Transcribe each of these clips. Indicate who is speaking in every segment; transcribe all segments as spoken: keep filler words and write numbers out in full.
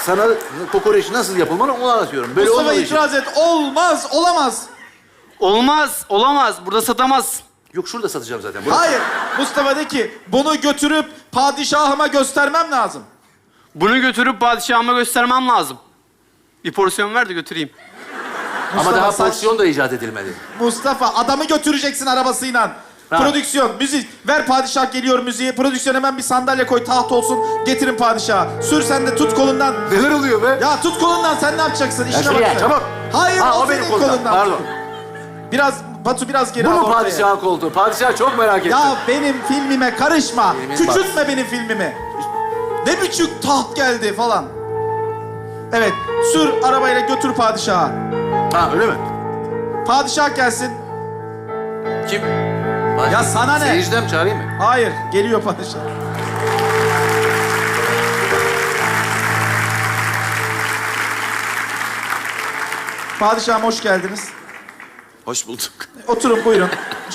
Speaker 1: sana kokoreç nasıl yapılmalı onu anlatıyorum. Böyle
Speaker 2: Mustafa
Speaker 1: olmadığı için.
Speaker 2: itiraz et. Olmaz, olamaz.
Speaker 3: Olmaz, olamaz. Burada satamaz.
Speaker 1: Yok şurada satacağım zaten. Burası.
Speaker 2: Hayır. Mustafa de ki bunu götürüp padişahıma göstermem lazım.
Speaker 3: Bunu götürüp padişahıma göstermem lazım. Bir porsiyon ver de götüreyim.
Speaker 1: Ama
Speaker 2: Mustafa,
Speaker 1: daha
Speaker 2: saç-
Speaker 1: porsiyon da icat edilmedi.
Speaker 2: Mustafa adamı götüreceksin arabasıyla.
Speaker 1: Ha.
Speaker 2: Prodüksiyon, müzik. Ver padişah geliyor müziği. Prodüksiyon hemen bir sandalye koy, taht olsun. Getirin padişaha. Sür sen de tut kolundan.
Speaker 1: Neler oluyor be?
Speaker 2: Ya tut kolundan sen ne yapacaksın?
Speaker 1: Ya
Speaker 2: İşine
Speaker 1: şuraya,
Speaker 2: bak.
Speaker 1: çabuk.
Speaker 2: Hayır
Speaker 1: Ha,
Speaker 2: o,
Speaker 1: o benim
Speaker 2: senin
Speaker 1: kolumdan.
Speaker 2: kolundan.
Speaker 1: Pardon.
Speaker 2: Biraz Batu biraz geri
Speaker 1: Bu
Speaker 2: al
Speaker 1: mu
Speaker 2: ortaya.
Speaker 1: padişahın koltuğu? Padişah çok merak ettim.
Speaker 2: Ya benim filmime karışma.
Speaker 1: Filmin
Speaker 2: Küçültme benim filmimi. Ne biçim taht geldi falan. Evet, sür arabayla götür padişaha.
Speaker 1: Ha öyle mi?
Speaker 2: Padişah gelsin.
Speaker 1: Kim?
Speaker 2: Ya sana ne?
Speaker 1: Seyirciden mi çağırayım mı?
Speaker 2: Hayır, geliyor padişah. Padişahım hoş geldiniz.
Speaker 4: Hoş bulduk.
Speaker 2: Oturun buyurun.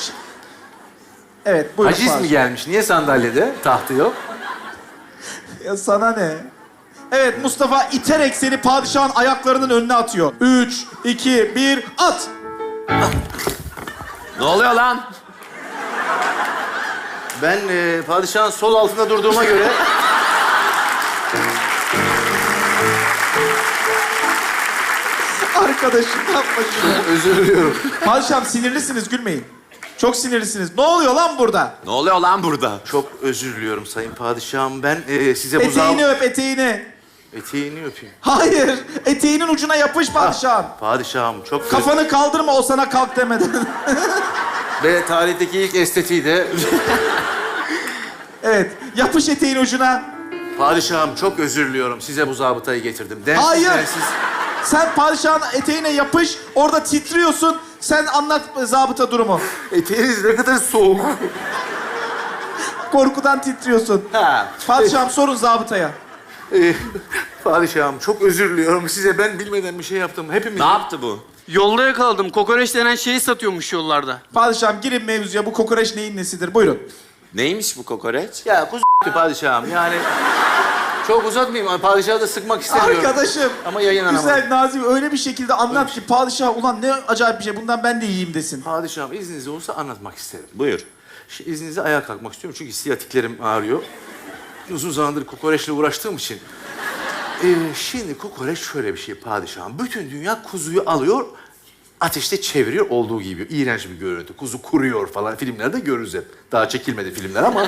Speaker 2: Evet buyurun.
Speaker 1: Haciz mi
Speaker 2: padişah.
Speaker 1: gelmiş? Niye sandalyede? Tahtı yok.
Speaker 2: Ya sana ne? Evet Mustafa iterek seni padişahın ayaklarının önüne atıyor. Üç, iki, bir, at!
Speaker 4: Ne oluyor lan?
Speaker 1: Ben e, padişahın sol altında durduğuma göre...
Speaker 2: Arkadaşım yapma şunu.
Speaker 1: Özür diliyorum.
Speaker 2: Padişahım sinirlisiniz gülmeyin. Çok sinirlisiniz. Ne oluyor lan burada?
Speaker 4: Ne oluyor lan burada?
Speaker 1: Çok özür diliyorum sayın padişahım. Ben e, size bu zam...
Speaker 2: Eteğini öp eteğini.
Speaker 1: Eteğini öpeyim.
Speaker 2: Hayır. Eteğinin ucuna yapış padişahım.
Speaker 1: Padişahım çok...
Speaker 2: Kafanı kaldırma o sana kalk demeden.
Speaker 1: Ve tarihteki ilk estetiği de...
Speaker 2: Evet. Yapış eteğin ucuna.
Speaker 1: Padişahım çok özür diliyorum. Size bu zabıtayı getirdim. Densiz,
Speaker 2: Hayır.
Speaker 1: densiz.
Speaker 2: Sen padişahın eteğine yapış. Orada titriyorsun. Sen anlat zabıta durumu.
Speaker 1: Eteğiniz ne kadar soğuk.
Speaker 2: Korkudan titriyorsun.
Speaker 1: Ha.
Speaker 2: Padişahım sorun zabıtaya.
Speaker 1: Ee, padişahım çok özür diliyorum. Size ben bilmeden bir şey yaptım. Hepimiz...
Speaker 4: Ne yaptı bu?
Speaker 3: Yolda yakaladım. Kokoreç denen şeyi satıyormuş yollarda.
Speaker 2: Padişahım girin mevzuya. Bu kokoreç neyin nesidir? Buyurun.
Speaker 4: Neymiş bu kokoreç?
Speaker 1: Ya kuzu padişahım yani... Çok uzatmayayım. Padişahı da sıkmak istemiyorum.
Speaker 2: Arkadaşım.
Speaker 1: Ama yayınlanamadı.
Speaker 2: Güzel, nazik öyle bir şekilde anlat ki padişah ulan ne acayip bir şey. Bundan ben de yiyeyim desin.
Speaker 1: Padişahım izniniz olursa anlatmak isterim.
Speaker 4: Buyur.
Speaker 1: Şimdi izninizle ayağa kalkmak istiyorum çünkü siyatiklerim ağrıyor. Uzun zamandır kokoreçle uğraştığım için. Ee, şimdi kokoreç şöyle bir şey padişahım. Bütün dünya kuzuyu alıyor, ateşte çeviriyor olduğu gibi. İğrenç bir görüntü. Kuzu kuruyor falan. Filmlerde görürüz hep. Daha çekilmedi filmler ama...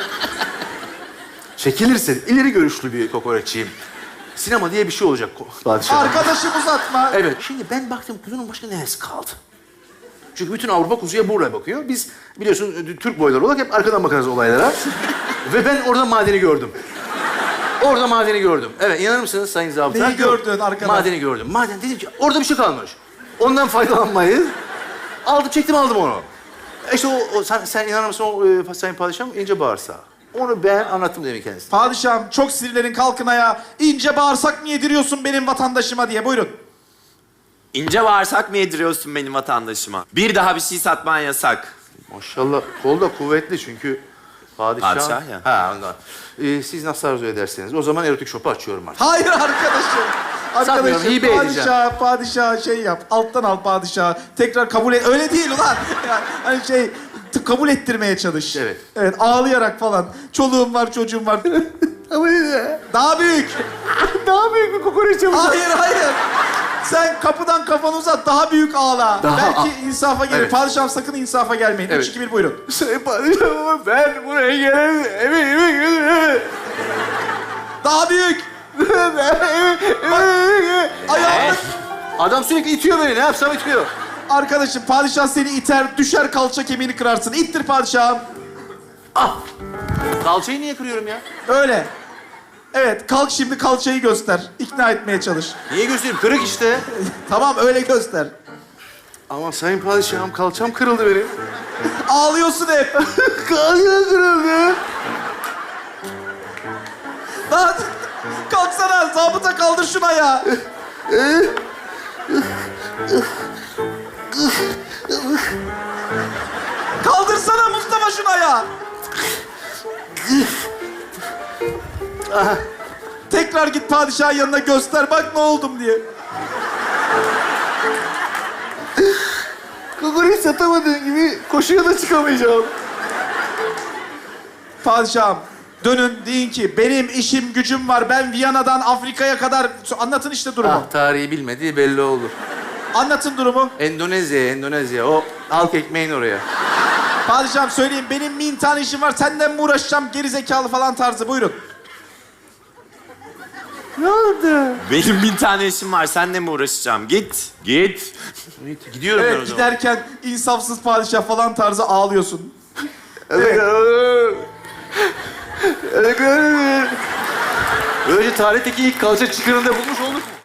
Speaker 1: Çekilirse ileri görüşlü bir kokoreççiyim. Sinema diye bir şey olacak ko- padişahım.
Speaker 2: Arkadaşım uzatma.
Speaker 1: Evet. Şimdi ben baktım kuzunun başka neresi kaldı? Çünkü bütün Avrupa kuzuya buraya bakıyor. Biz biliyorsun Türk boyları olarak hep arkadan bakarız olaylara. Ve ben orada madeni gördüm. Orada madeni gördüm. Evet, inanır mısınız sayın zabıta?
Speaker 2: Neyi gördün arkadan?
Speaker 1: Madeni gördüm. Maden dedim ki orada bir şey kalmış. Ondan faydalanmayız. Aldım, çektim aldım onu. İşte o, o sen, sen inanır mısın o e, sayın padişahım ince bağırsağı. Onu ben anlattım demin kendisine.
Speaker 2: Padişahım çok sinirlerin kalkın ayağa. İnce bağırsak mı yediriyorsun benim vatandaşıma diye. Buyurun.
Speaker 4: İnce bağırsak mı yediriyorsun benim vatandaşıma? Bir daha bir şey satman yasak.
Speaker 1: Maşallah kol da kuvvetli çünkü padişah...
Speaker 4: Padişah ya.
Speaker 1: Ha ondan. Ee, siz nasıl arzu ederseniz. O zaman erotik shop'u açıyorum artık.
Speaker 2: Hayır arkadaşım.
Speaker 1: Satmıyorum,
Speaker 2: Arkadaşım
Speaker 1: hibe edeceğim.
Speaker 2: padişah, padişah şey yap. Alttan al padişah. Tekrar kabul et. Öyle değil ulan. Yani, hani şey t- kabul ettirmeye çalış.
Speaker 1: Evet.
Speaker 2: Evet ağlayarak falan. Çoluğum var çocuğum var.
Speaker 1: Ama yine...
Speaker 2: Daha büyük.
Speaker 1: Daha büyük bir kokoreç yapacağım.
Speaker 2: Hayır hayır. Sen kapıdan kafanı uzat daha büyük ağla.
Speaker 1: Daha-
Speaker 2: Belki insafa gelir.
Speaker 1: Evet.
Speaker 2: Padişahım sakın insafa gelmeyin.
Speaker 1: Evet.
Speaker 2: Üç, iki, bir buyurun.
Speaker 1: Sayın padişahım ben buraya gelemiyorum. Eve eve eve.
Speaker 2: Daha büyük. Ayağını...
Speaker 1: Adam sürekli itiyor beni. Ne yapsam itiyor.
Speaker 2: Arkadaşım padişah seni iter, düşer kalça kemiğini kırarsın. İttir padişahım.
Speaker 1: Ah! Kalçayı niye kırıyorum ya?
Speaker 2: Öyle. Evet, kalk şimdi kalçayı göster. İkna etmeye çalış.
Speaker 1: Niye göstereyim? Kırık işte.
Speaker 2: Tamam, öyle göster.
Speaker 1: Ama sayın padişahım kalçam kırıldı benim.
Speaker 2: Ağlıyorsun hep.
Speaker 1: Kalçam kırıldı.
Speaker 2: Daha... Kalksana, zabıta kaldır şunu ayağı. Kaldırsana Mustafa şunu ayağı. Tekrar git padişahın yanına göster bak ne oldum diye.
Speaker 1: Kokoreç satamadığın gibi koşuya da çıkamayacağım.
Speaker 2: Padişahım dönün deyin ki benim işim gücüm var. Ben Viyana'dan Afrika'ya kadar... Anlatın işte durumu.
Speaker 1: Ah, tarihi bilmediği belli olur.
Speaker 2: Anlatın durumu.
Speaker 1: Endonezya, Endonezya. O halk ekmeğin oraya.
Speaker 2: Padişahım söyleyin benim bin tane işim var. Senden mi uğraşacağım geri zekalı falan tarzı. Buyurun.
Speaker 1: Ne oldu?
Speaker 4: Benim bin tane işim var. Seninle mi uğraşacağım? Git. Git.
Speaker 1: Gidiyorum ben o
Speaker 2: Evet
Speaker 1: zaman.
Speaker 2: giderken insafsız padişah falan tarzı ağlıyorsun.
Speaker 1: Böylece tarihteki ilk kalça çıkarını da bulmuş olduk mu?